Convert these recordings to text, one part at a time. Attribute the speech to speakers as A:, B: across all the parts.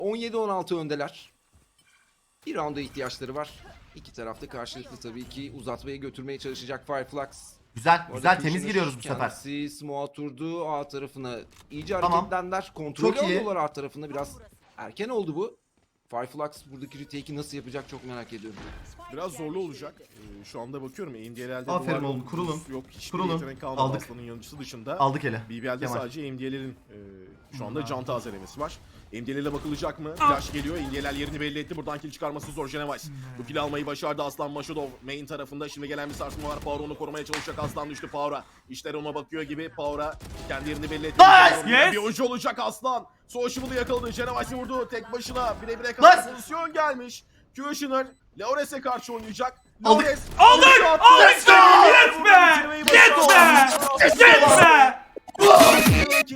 A: 17-16 öndeler. Bir rounda ihtiyaçları var. İki tarafta karşılıklı tabii ki uzatmaya götürmeye çalışacak Fireflux.
B: Güzel,
A: Bu
B: güzel
A: arada
B: temiz
A: Kushner
B: giriyoruz bu sefer.
A: Kendisi smoke'a oturdu. A tarafına iyice
B: Tamam.
A: hareketlendiler. Kontrolü
B: Çok iyi.
A: alıyorlar A tarafında. Biraz erken oldu bu. Fireflux buradaki retake'i nasıl yapacak çok merak ediyorum.
C: Biraz zorlu olacak. Şu anda bakıyorum MDL'de
B: Aferin
C: duvar
B: oğlum,
C: yok,
B: kurulun.
C: buz yok, hiçbir
B: Kurulun.
C: yetenek kalmadı
B: Aldık.
C: Aslan'ın yanıcısı dışında.
B: Aldık ele.
C: BBL'de
B: Kemal.
C: sadece MDL'lerin şu anda can tazelemesi var. MDL'e bakılacak mı? Flash geliyor. MDL yerini belli etti. Buradan kill çıkarması zor Genevice. Bu kill almayı başardı Aslan Maşudov. Main tarafında şimdi gelen bir sarsma var. Power onu korumaya çalışacak. Aslan düştü Power'a. İşler ona bakıyor gibi. Power'a kendi yerini belli etti.
B: Nice!
C: Bir oyuncu olacak Aslan. Sociable'ı yakaladı. Genevice'i vurdu. Tek başına bire kadar
B: Nice!
C: pozisyon gelmiş. Kushner Laures'e karşı oynayacak.
B: Aldık.
C: Laures
D: Aldık!
C: oyuncu attı.
D: Aldık!
C: Yes
D: Yetme! Yetme! Yetme!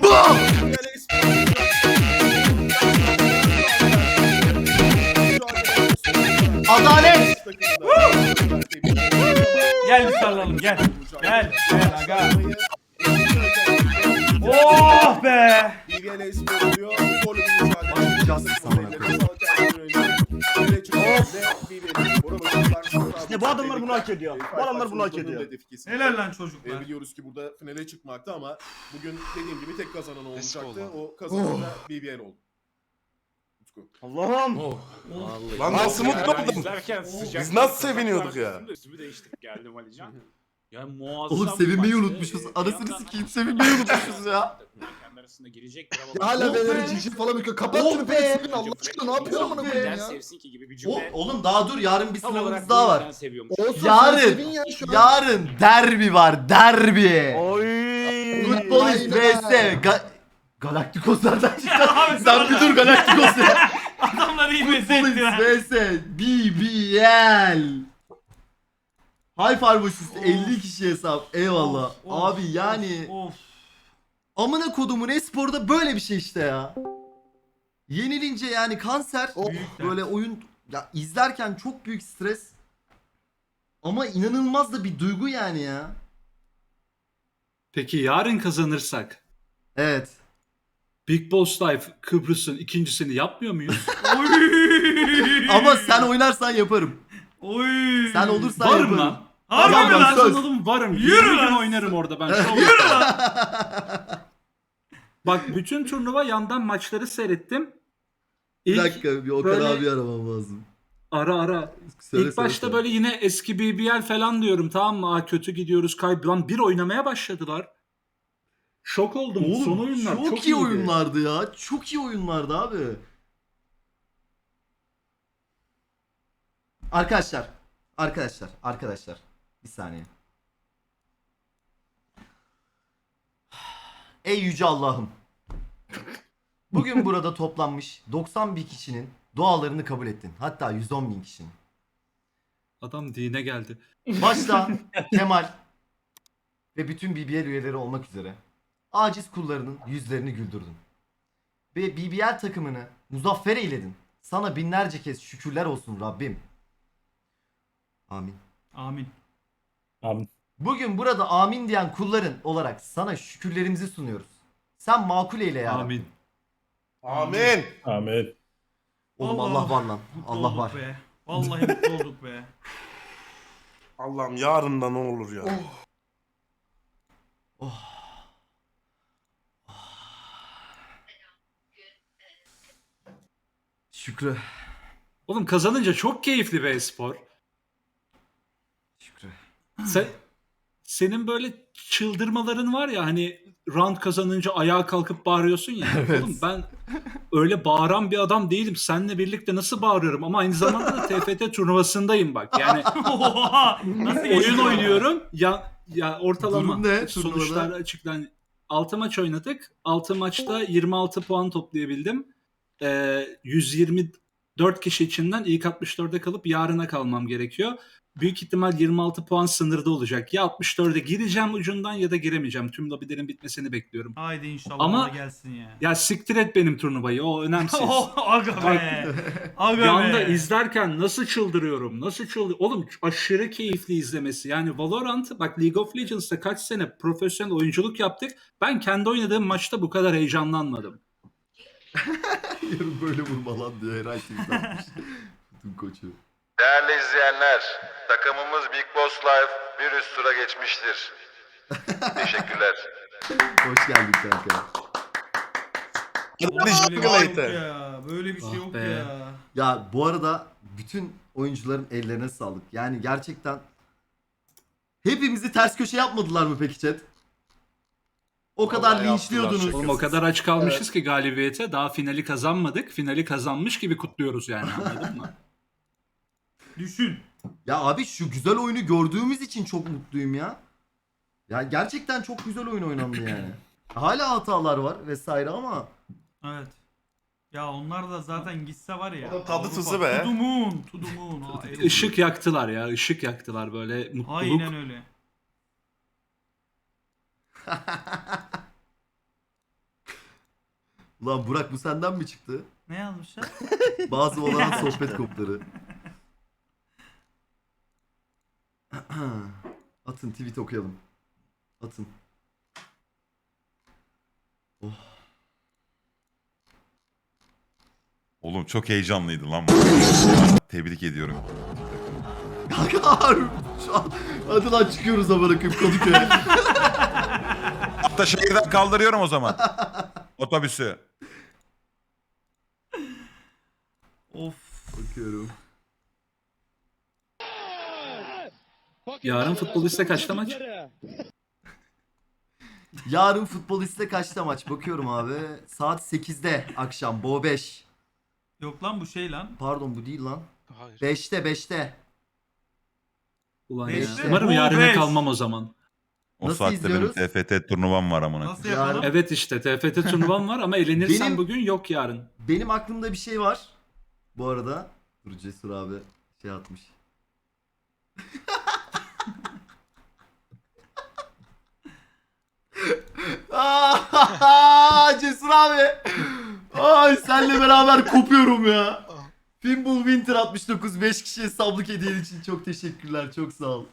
B: Adalet!
D: Gel bir sarılalım gel. Gel. Gel aga. Oh be!
E: İşte bu adamlar bunu hak ediyor. Bu adamlar bunu hak ediyor.
D: Helal lan çocuklar.
C: Biliyoruz ki burada finale çıkmakta ama bugün dediğim gibi tek kazanan olacaktı. O kazanan da BBL oldu. Utku.
E: Allah'ım.
F: Lan nasıl mutlu oldum? Biz nasıl seviniyorduk ya?
G: Üstümü değiştirip geldim Alican. Yani muazzam.
B: Oğlum
G: bir
B: sevinmeyi
G: maçtı.
B: unutmuşuz.
G: Bir
B: Anasını
G: yandan
B: sikeyim sevinmeyi unutmuşuz ya.
G: kendi arasında girecektir ama.
H: Ya hala
B: Oh
H: beyler
B: be!
H: cici falan bakıyor. Kapat
B: Oh
H: şunu
B: be!
H: Facebook'un Allah aşkına ne yapıyorsun amına koyayım
G: Neden
H: ya.
G: sevsin ki gibi bir
B: O,
G: cümle.
B: oğlum daha dur yarın bir
G: Tam
B: sınavımız
G: olarak
B: daha
G: bu
B: var.
G: yüzden seviyormuş.
H: Olsun
B: Yarın.
H: sen sevin ya şu an.
B: Yarın derbi var derbi.
E: Oy.
B: Futbolist
H: Aynen.
B: vs. Galaktikoslardan çıktı. Sen bir dur Galaktikos ya.
D: Adamlar iyi
B: Futbolist
D: mezetti lan.
B: vs. BBL. High Five üstü 50 kişi hesap. Eyvallah.
D: Of, of,
B: Abi yani
D: Of.
B: amına kodumun esporda böyle bir şey işte ya. Yenilince yani kanser.
D: Büyük
B: Böyle oyun ya izlerken çok büyük stres. Ama inanılmaz da bir duygu yani ya.
I: Peki yarın kazanırsak
B: Evet.
I: Big Boss Life Kıbrıs'ın ikincisini yapmıyor muyuz?
D: Oy.
B: Ama sen oynarsan yaparım.
D: Oy.
B: Sen olursan
I: Varım
B: yaparım.
I: lan.
D: Harbi
B: Tamam,
D: mi
B: ben
D: lan?
B: söz.
I: Kazanalım varım.
D: Yürü
I: 20
D: lan.
I: gün oynarım orada ben. Şov
D: Yürü
I: yaparım.
D: lan.
I: Bak bütün turnuva yandan maçları seyrettim.
B: Bir
I: İlk
B: dakika bir Okan
I: böyle-
B: abi aramam lazım.
I: ara.
B: Söyle,
I: İlk başta böyle yine eski BBL falan diyorum, tamam mı? Aa, kötü gidiyoruz lan bir oynamaya başladılar. Şok oldum. Son
B: Oğlum
I: oyunlar
B: çok, iyi
I: iyiydi.
B: oyunlardı ya. Çok iyi oyunlardı abi. Arkadaşlar. Bir saniye. Ey yüce Allah'ım. Bugün burada toplanmış 90 bin kişinin dualarını kabul ettin. Hatta 110 bin kişinin.
I: Adam dine geldi.
B: Başta Kemal ve bütün BBL üyeleri olmak üzere aciz kullarının yüzlerini güldürdün. Ve BBL takımını muzaffer eyledin. Sana binlerce kez şükürler olsun Rabbim. Amin.
D: Amin.
B: Bugün burada amin diyen kulların olarak sana şükürlerimizi sunuyoruz. Sen makul eyle ya.
I: Amin.
F: Amin.
D: Amin.
B: Oğlum Allah var lan.
D: Mutlu
B: Allah
D: olduk
B: var.
D: Be. Vallahi mutlu olduk be.
F: Allah'ım yarın ne olur ya.
B: Şükrü.
I: Oğlum kazanınca çok keyifli be spor.
B: Şükrü.
I: Senin böyle çıldırmaların var ya, hani round kazanınca ayağa kalkıp bağırıyorsun ya.
B: Evet.
I: Oğlum ben öyle bağıran bir adam değilim. Seninle birlikte nasıl bağırıyorum ama aynı zamanda da TFT turnuvasındayım bak. Yani
D: Oha! Nasıl
I: oyun
D: geçti?
I: oynuyorum. Ya ortalama
B: Durum ne
I: sonuçlar
B: turnuvada?
I: açıklan. 6 maç oynadık. 6 maçta 26 puan toplayabildim. 124 kişi içinden ilk 64'e kalıp yarına kalmam gerekiyor. Büyük ihtimal 26 puan sınırda olacak. Ya 64'e gireceğim ucundan ya da giremeyeceğim. Tüm lobilerin bitmesini bekliyorum.
D: Haydi inşallah
I: Ama-
D: ona gelsin ya.
I: Ya siktir et benim turnuvayı, o önemsiz.
D: Aga be. Aga
I: Yanda
D: be.
I: izlerken nasıl çıldırıyorum, Oğlum aşırı keyifli izlemesi. Yani Valorant, bak League of Legends'ta kaç sene profesyonel oyunculuk yaptık. Ben kendi oynadığım maçta bu kadar heyecanlanmadım.
B: Yarın böyle vurma lan diye Eray tweet atmış. Bütün koçu.
J: Değerli izleyenler, takımımız Big Boss Live bir üst tura geçmiştir. Teşekkürler.
B: Hoş geldin kanka.
D: Böyle bir şey yok
F: Later.
D: ya. Böyle bir şey
I: Ah
D: yok
I: be.
D: ya.
B: Ya bu arada bütün oyuncuların ellerine sağlık. Yani gerçekten hepimizi ters köşe yapmadılar mı peki chat? O kadar
F: Vallahi
B: linçliyordunuz.
F: yaptılar,
I: Oğlum o kadar aç kalmışız ki galibiyete. Daha finali kazanmadık. Finali kazanmış gibi kutluyoruz yani, anladın mı?
D: Düşün.
B: Ya abi şu güzel oyunu gördüğümüz için çok mutluyum ya. Ya gerçekten çok güzel oyun oynandı yani. Hala hatalar var vesaire ama
D: Evet. Ya onlar da zaten gitse var ya.
F: O da tadı
D: Avrupa,
F: tuzu be.
D: To the moon. To the moon. Ha,
I: Işık yaktılar ya. Işık yaktılar böyle mutluluk.
D: Aynen öyle.
B: Ulan Burak bu senden mi çıktı?
D: Ne yazmışlar?
B: Bazı olan sohbet kopları. Atın tweet okuyalım. Atın.
J: Oğlum çok heyecanlıydı lan. Tebrik ediyorum.
B: Kanka harbi şu an. Hadi lan çıkıyoruz ama bırakıp Kadıköy'e.
J: Hatta şehirden kaldırıyorum o zaman. Otobüsü.
D: Of.
B: Bakıyorum.
I: Yarın futboliste kaçta maç?
B: Yarın futboliste kaçta maç? Bakıyorum abi. Saat 8'de akşam. Bo 5.
D: Yok lan bu şey lan.
B: Pardon bu değil lan. 5'te.
I: Ulan
D: Beşte,
I: ya. Umarım
D: bu
I: yarına
D: beş.
I: kalmam o zaman.
J: O
B: Nasıl
J: saatte
B: izliyoruz?
J: benim TFT turnuvam var amına.
D: Nasıl
B: Yani-
D: yapalım?
I: Evet işte TFT turnuvam var ama elenirsen
B: Benim-
I: bugün yok yarın.
B: Benim aklımda bir şey var. Bu arada. Dur Cesur abi şey atmış. Cesur abi. Ay senle beraber kopuyorum ya. Pinball Winter 69 5 kişiye sablık hediyen için çok teşekkürler. Çok sağ ol.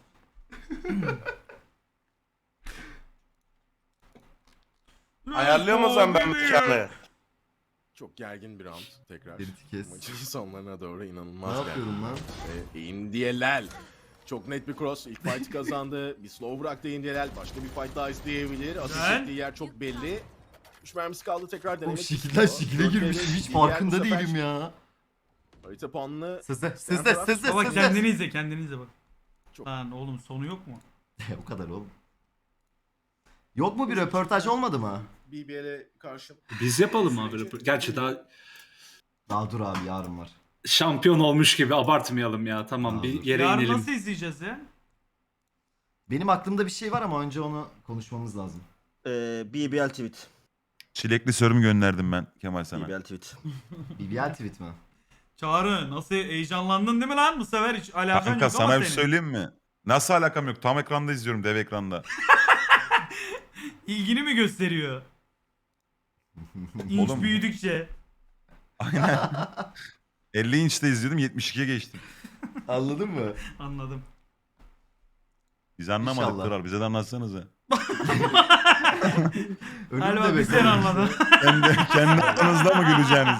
F: Ayarlıyor mu o zaman ben mekanı?
C: Çok gergin bir round tekrar.
B: Ferit'i kes.
C: Maçın sonlarına doğru
B: Ne
C: inanılmaz
B: yapıyorum lan?
C: Indielel. Çok net bir cross. İlk fight'ı kazandı. Bir slow bıraktı Indielel. Başka bir fight daha izleyebilir. Ateş
D: Güzel.
C: ettiği yer çok belli. 3 mermisi kaldı, tekrar
B: Oğlum
C: denemek
B: şekilden
C: istiyor.
B: şekile
C: Dört
B: girmiş.
C: belli.
B: Hiç
C: Indielel bu
B: farkında
C: sefer
B: değilim ya.
C: Harita puanını
B: Sızdı.
D: Baba kendini izle kendini izle bak.
C: Çok-
D: Lan oğlum sonu yok mu?
B: O kadar oğlum. Yok mu bir röportaj olmadı mı?
C: BBL'e karşı.
I: Biz yapalım abi. Gerçi daha
B: Daha dur abi yarın var.
I: şampiyon olmuş gibi abartmayalım ya. Tamam bir yere
D: Yarın
I: inelim.
D: nasıl izleyeceğiz ya?
B: Benim aklımda bir şey var ama önce onu konuşmamız lazım.
E: BBL tweet.
J: Çilekli sörümü gönderdim ben Kemal sana.
E: BBL tweet.
B: BBL tweet mi?
D: Çağrı nasıl heyecanlandın değil mi lan bu sefer hiç alakan
J: Kanka
D: yok ama
J: sana bir
D: senin.
J: söyleyeyim mi? Nasıl alakam yok? Tam ekranda izliyorum, dev ekranda.
D: İlgini mi gösteriyor? İnç
J: Oğlum.
D: büyüdükçe.
J: Aynen. 50 inçte izledim, 72'ye geçtim.
B: Anladın mı?
D: Anladım.
J: Biz anlamadık
B: İnşallah.
J: Kral, bize de anlatsanıza.
D: Galiba bir sen
B: bekliyorum.
D: anladın.
J: Kendi aranızda mı güleceğiniz?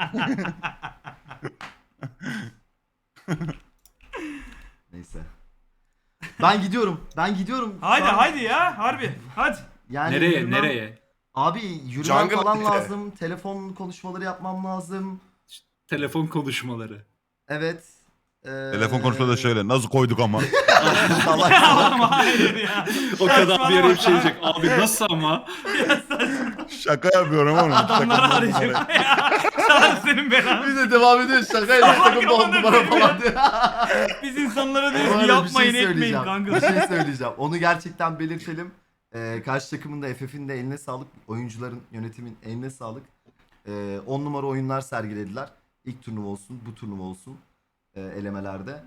B: Neyse. Ben gidiyorum.
D: Haydi
B: Şu an-
D: haydi ya harbi hadi.
B: Yani
I: Nereye
B: yürümem-
I: nereye?
B: Abi yürümem
F: Jungle
B: falan
F: nereye?
B: lazım. Telefon konuşmaları yapmam lazım.
I: Telefon konuşmaları.
B: Evet.
J: Telefon konuşmada şöyle, nasıl koyduk ama?
B: Salak.
D: Ama hayır ya.
I: O kadar bir yere bir şey
D: Saçmalama.
I: diyecek. Abi nasıl ama?
J: Şaka yapıyorum oğlum.
D: Adamları arayacak ya. Çağrı senin belanı.
B: Bir de devam ediyor şakayla takımda 10 numara falan diye.
D: Biz insanlara
B: Bu
D: diyoruz
B: arada
D: ki yapmayın
B: bir şey
D: etmeyin
B: söyleyeceğim.
D: kanka.
B: Bir şey söyleyeceğim. Onu gerçekten belirtelim. Karşı takımın da FF'in de eline sağlık. Oyuncuların, yönetimin eline sağlık. 10 numara oyunlar sergilediler. İlk turnuva olsun, bu turnuva olsun. Elemelerde.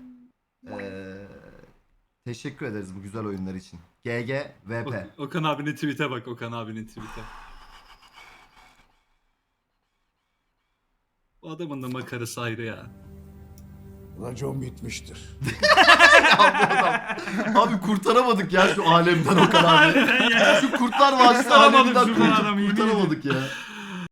B: Teşekkür ederiz bu güzel oyunlar için. GG, VP.
I: Okan abinin tweet'e bak, Okan abinin tweet'e. Bu adamın da makarası ayrı ya.
H: Racon bitmiştir.
B: Abi kurtaramadık ya şu alemden o kadar.
D: Harbiden ya.
B: Şu Kurtlar Vadisi
D: Kurtaramadık
B: aleminden
D: şuradan adamı, yemin
B: kurtaramadık ya.